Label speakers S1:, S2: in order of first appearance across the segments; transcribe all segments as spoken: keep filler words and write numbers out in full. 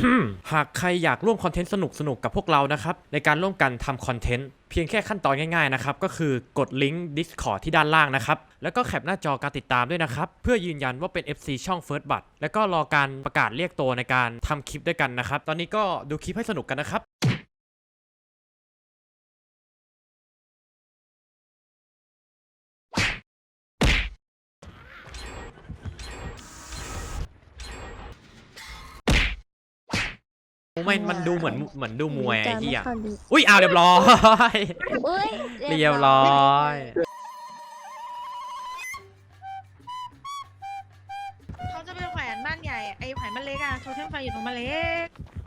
S1: หากใครอยากร่วมคอนเทนต์สนุกๆกับพวกเรานะครับในการร่วมกันทำคอนเทนต์เพียงแค่ขั้นตอนง่ายๆนะครับก็คือกดลิงก์ Discord ที่ด้านล่างนะครับแล้วก็แคปหน้าจอการติดตามด้วยนะครับเพื่อยืนยันว่าเป็น เอฟ ซี ช่อง First Blood แล้วก็รอการประกาศเรียกตัวในการทำคลิปด้วยกันนะครับตอนนี้ก็ดูคลิปให้สนุกกันนะครับไม่มันดูเหมือนเหมือนดูมวยไอ้เหี้ยอุ้ยเอาเรียบร้อยเรียบร้อย
S2: เขาจะไปแขวนบ้านใหญ่ไอ้แขวนบ้านเล็กอะโทเทมไฟอยู่ตรงบ้านเล็ก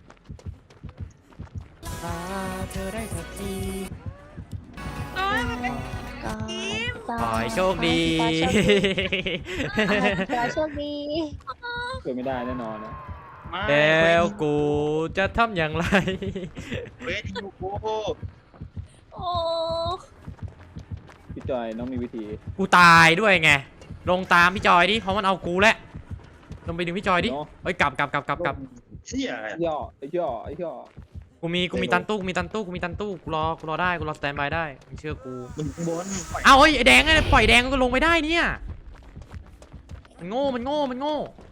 S1: เธอได้สักที
S2: โอ้ยมันเป็นทีม
S1: ขอให้โชคดี
S3: ขอโชคดี
S4: เกิดไม่ได้แน่นอนนะ
S1: แล้วกูจะทำอย่างไร
S5: เวทยูโก
S3: โอ้
S4: พี่จอยน้องมีวิธี
S1: กูตายด้วยไงลงตามพี่จอยดิเพราะมันเอากูแหละลงไปดึงพี่จอยดิเฮ้ยกลับกลับกลับกลับกลับ
S5: เชี่ยอะไร
S4: ย่อไอ้ย่อไอ้ย่อ
S1: กูมีกูมีตันตู้กูมีตันตู้กูมีตันตู้กูรอกูรอได้กูรอสแตนบายได้มึงเชื่อกู
S5: มึงบน
S1: เอ้าเฮ้ยไอ้แดงไงปล่อยแดงก็ลงไม่ได้เนี่ยมันโง่มันโง่มันโง่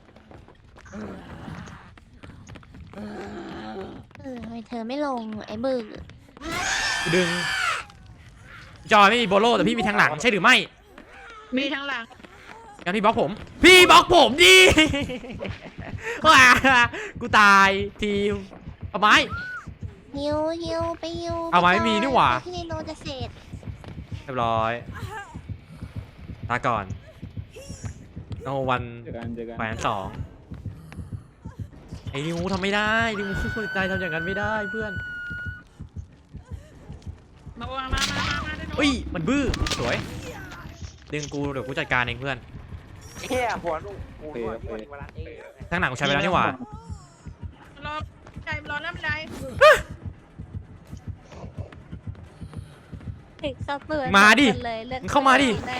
S3: เออทำไมเธอไม่ลงไอ้บึก
S1: กูดึงพี่จอยไม่มีโบโลแต่พี่มีทางหลังใช่หรือไม่
S2: มีทางหลัง
S1: งั้นพี่บล็อกผมพี่บล็อกผมดิ ว้ากูตายทีมเอาไม้
S3: ฮิวฮิวไปฮิว
S1: เอาไม้ไม่มีนี่หว่า
S3: ที่ในโนจะเสร็จ
S1: เรียบร้อยลาก่อนโนวัน
S4: เจอกันเจอกัน
S1: แปดสองไอ้นิวทำไม่ได้นิวใจทำอย่างนั้นไม่ได้เพื่อน
S2: มามามามามามา
S1: อุ้ยมันบื้อสวยดึงกูเดี๋ยวกูจัดการเองเพื่อน
S6: แค่หัวลูกกู
S4: โอเค
S6: หัว
S4: โอเค
S6: หัวเวลาเออ
S1: ทั้งหนังกูใช้ไปแล้วนี่หว่า
S2: อใจรอน้ำใจ
S3: ถึงสับเปื่อย
S1: มาดิ
S3: เลยลือก
S1: มึงเข้ามาดิ
S3: แน่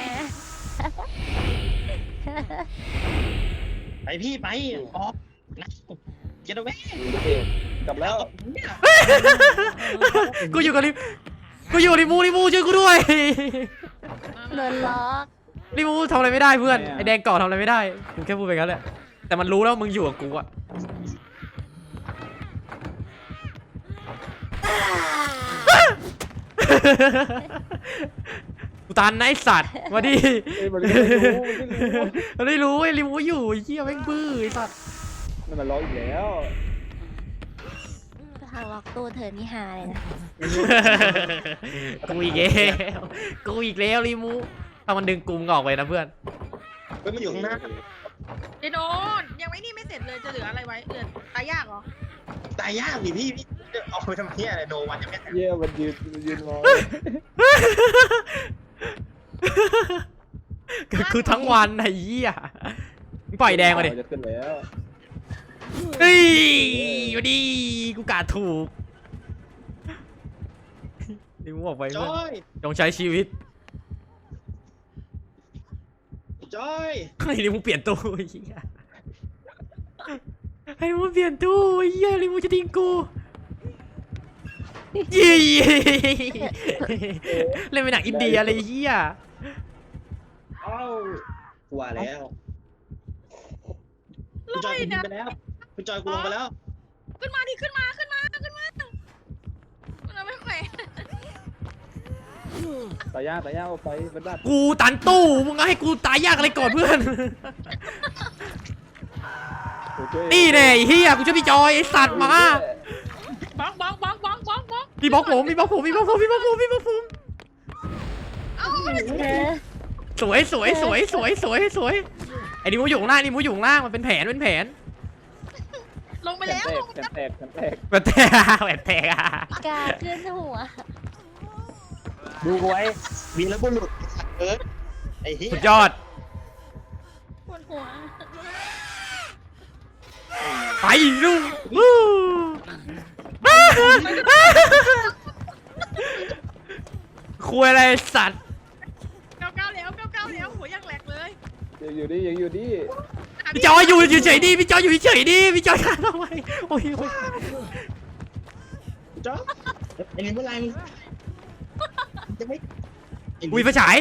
S5: ไปพี่ไปออกนะเจนเว
S4: กลับแล้ว
S1: กูอยู่กับริกูอยู่กับริมูริมูช่วยกูด้วย
S3: โดนล็อก
S1: ริมูทำอะไรไม่ได้เพื่อนไอแดงเกาะทำอะไรไม่ได้กูแค่พูดไปงั้นแหละแต่มันรู้แล้วมึงอยู่กับกูอะกูตันนะไอสัตว์มาดิ
S4: เอ้ยมันไม่รู้มันไม่รู้
S1: มันไม่รู้ไอ้ริมูอยู่ไอ้เหี้ยแม่งบื้อไอ้สัตว์
S4: มันมาล้ออีกแล้ว
S3: ทางล็อกตัวเธอนี่หาเลยนะ
S1: กูอีกแล้วกูอีกแล้วริมูถ้ามันดึงกูมึงออกไปนะเพื่อน
S5: เฮ้ยมันอยู่ข้างหน้า
S2: เดโนยังไม่นี่ไม่เสร็จเลยจะเหลืออะไรไว้เหลือตายยากเหรอ
S5: ตายยากดิพี่พี่เอาไปทำเพี้ยอะไรโนวันยังไม่แตก
S4: เย่มันยืนมันยืนรอ
S1: คือทั้งวันไอ้เหี้ยมึงปล่อยแดงมาดิ
S4: จะขึ้นแล้ว
S1: เฮ้ยมาดิกูกาดถูกริมูออกไป
S5: จ
S1: เพื่อน
S5: อย
S1: จงใช้ชีวิต
S5: จอย
S1: ให้ริมูเปลี่ยนตู้ไอ้เหี้ยให้ริมูเปลี่ยนตู้ไอ้เหี้ยริมูจะทิ้งกูยี่เล่นเป็นหนังอินเดียอะไรเหี้ย
S5: เอ้าว่าแล้วคุณจอยคุณไปแล้วคุณจอยกูลงไปแล้ว
S2: ขึ้นมาดิขึ้นมาขึ้นมาขึ้นมามันไม่แขวน
S4: ตายยากตายยากเอาไปเป็นบัตร
S1: กูตันตู้มึงให้กูตายยากอะไรก่อนเพื่อน
S4: โอเค
S1: นี่แน่ไอ้เฮียกูช่วยพี่จอยไอสัตว์มา
S2: บล็อกบล็อกบล็อกบล็อกบล็อกบล็อก
S1: พี่บล็อกผมพี่บล็อกผมพี่บล็อกผมพี่บล็อกผมพี่บล็อกผม
S2: เอ้า
S3: เออ
S1: สวยสวยสวยสวยสวยสวยไอ้ดิมูอยู่ข้างล่างดิมูอยู่ข้างล่างมันเป็นแผนเป็นแผน
S2: ลงไปแล้วลงไป
S4: แข
S2: แล้ว
S4: นแตกแขนแตก
S1: แบบแตกแบบแตกอะ
S3: กาขึ้นหัว
S5: ดูกูไว้วีรบุรุษเออไอ้เหี้ย
S1: สุดยอด
S2: ปวดหัว
S1: ไปลูกวู้คุยอะไรสัตว์
S2: เก้าเก้าแล้วเก้าเก้าแล้วหัวยังแหลกเลย
S4: ยังอยู่ดิยังอยู่ดิ
S1: พี่จอยอยู่เฉยๆดิพี่จอยอยู่เฉยๆดิพี่จอยฆ่าทำไมโอ้ยโอ้ย
S5: จ๊อบไอ้นี่เมื่อไรมึงจะไม่
S1: อุ้ยไฟฉาย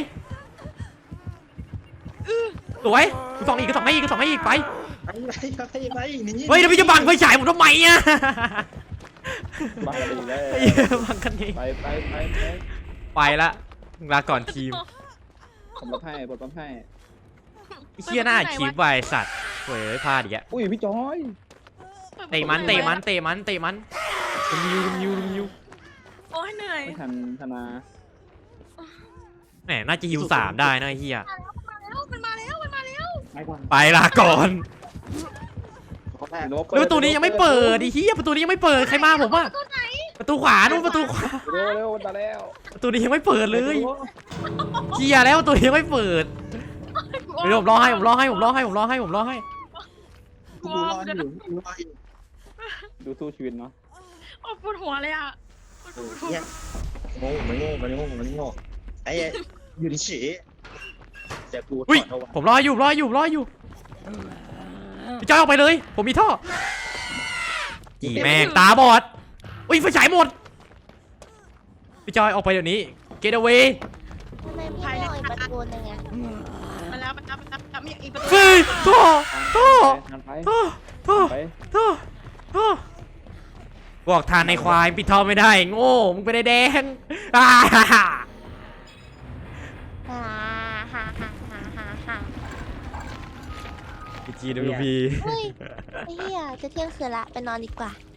S1: สวยกูส่องอีกกูส่องให้อีกกูส่องให้อีกไป
S5: ไปไปไปนี่
S1: เฮ้ยแล้วพี่จะบังไฟฉายผมทำไมอ่ะ
S4: บ้าไปอีกแล้ว
S1: ไอ้เหี้ยบังกันเอง
S4: ไปไปไปไป
S1: ไปละลาก่อนทีม
S4: ผมรับให้ผมรับให้
S1: ไอ้เหี้ยหน้าคีบไวสัตว์เว้ยพลาดอีกอะ
S4: อุ้ยพี่จอย
S1: เตะมันเตะมันเตะมันเตะมันลุมยูลุมยูลุมยู
S2: โอ้ยเหนื่อย
S4: ไม่ทันธนา
S1: แหมน่าจะฮิวสามได้นะไอ้เหี้ย
S2: มันมาแล้วมันมาแล้ว
S5: ไปก่อน
S1: ไปลาก่อน
S5: เขาแรก
S1: แล้วประตูนี้ยังไม่เปิดไอ้เหี้ยประตูนี้ยังไม่เปิดใครมาผมอะประตูขวานู่นประตูขวา
S4: เร็วเร็วมาแล้ว
S1: ประตูนี้ยังไม่เปิดเลยเกียร์แล้วประตูนี้ยังไม่เปิดเดี๋ยวผมรอให้ผมรอให้ผมรอให้ผมรอให้ผมรอให้
S5: กูรออยู่กูรออยู่
S4: ดูสู้ชีวิตเนาะ
S2: โอ้ปวดหัวเลยอ่ะ
S5: เนี่ยโง่มันโง่มันโง่มันโง่ไอ้อยู่ที่ฉี่แต่กูถ
S1: อุ้ย
S5: อดเอาไว้
S1: ผมรออยู่รออยู่รออยู่พี่จอยออกไปเลย ผมมีท่ออีแม่งตาบอดอุ้ยไฟฉายหมดพี่จอยออกไปเดี๋ยวนี้ get away
S3: ทำไมพี่ไม่เอาอีกประตูหนึงอะ
S2: มาแล้วมาแล้วมาแล้วมีอีกประตู
S1: เฮ้ยท่อท่อ
S4: ทานไป
S1: ท่อท่อ
S4: ไป
S1: ท่อท่อบอกทานในควายปิดท่อไม่ได้โง่มึงไปได้แดงอ่าฮ่าฮ่า
S3: ฮ่าฮ่าฮ่าฮ่าฮ่าฮ่า
S1: พีจีดูพี
S3: เฮ้ยไอ้เหี้ยจะเที่ยงคืนละไปนอนดีกว่า